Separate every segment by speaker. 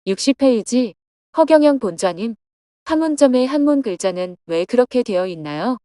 Speaker 1: 60페이지 허경영 본좌님, 판문점의 한문 글자는 왜 그렇게 되어 있나요?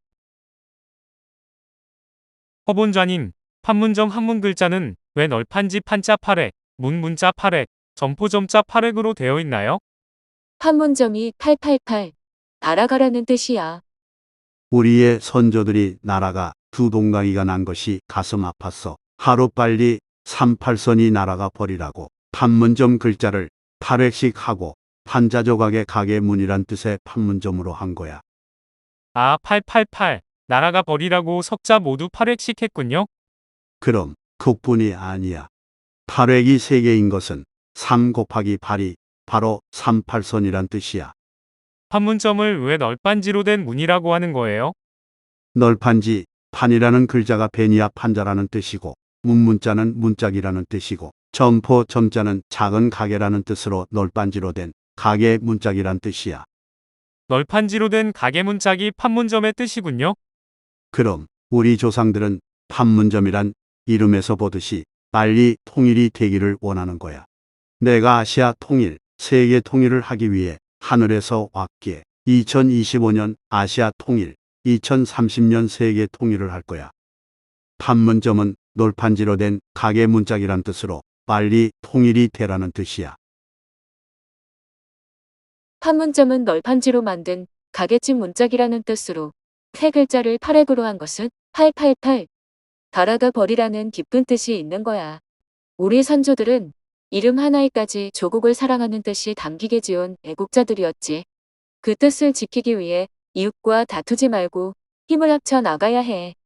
Speaker 2: 허본좌님, 판문점 한문 글자는 왜 널판지 판자 8획, 문자 8획, 점포점자 8획으로 되어 있나요?
Speaker 1: 판문점이 888, 날아가라는 뜻이야.
Speaker 3: 우리의 선조들이 날아가 두 동강이가 난 것이 가슴 아팠어. 하루빨리 38선이 날아가 버리라고 판문점 글자를 8획씩 하고 판자 조각의 가게 문이란 뜻의 판문점으로 한 거야.
Speaker 2: 아, 888, 나라가 버리라고 석자 모두 8획씩 했군요.
Speaker 3: 그럼 그뿐이 아니야. 8획이 3개인 것은 3 곱하기 8이 바로 38선이란 뜻이야.
Speaker 2: 판문점을 왜 널빤지로 된 문이라고 하는 거예요?
Speaker 3: 널판지, 판이라는 글자가 베니아 판자라는 뜻이고 문자는 문짝이라는 뜻이고 점포 점자는 작은 가게라는 뜻으로 널판지로 된 가게 문짝이란 뜻이야.
Speaker 2: 널판지로 된 가게 문짝이 판문점의 뜻이군요.
Speaker 3: 그럼 우리 조상들은 판문점이란 이름에서 보듯이 빨리 통일이 되기를 원하는 거야. 내가 아시아 통일, 세계 통일을 하기 위해 하늘에서 왔기에 2025년 아시아 통일, 2030년 세계 통일을 할 거야. 판문점은 놀판지로 된 가게 문짝이란 뜻으로 빨리 통일이 되라는 뜻이야.
Speaker 1: 판문점은 널판지로 만든 가게집 문짝이라는 뜻으로 세 글자를 8획으로 한 것은 888, 달아가 버리라는 깊은 뜻이 있는 거야. 우리 선조들은 이름 하나에까지 조국을 사랑하는 뜻이 담기게 지은 애국자들이었지. 그 뜻을 지키기 위해 이웃과 다투지 말고 힘을 합쳐 나가야 해.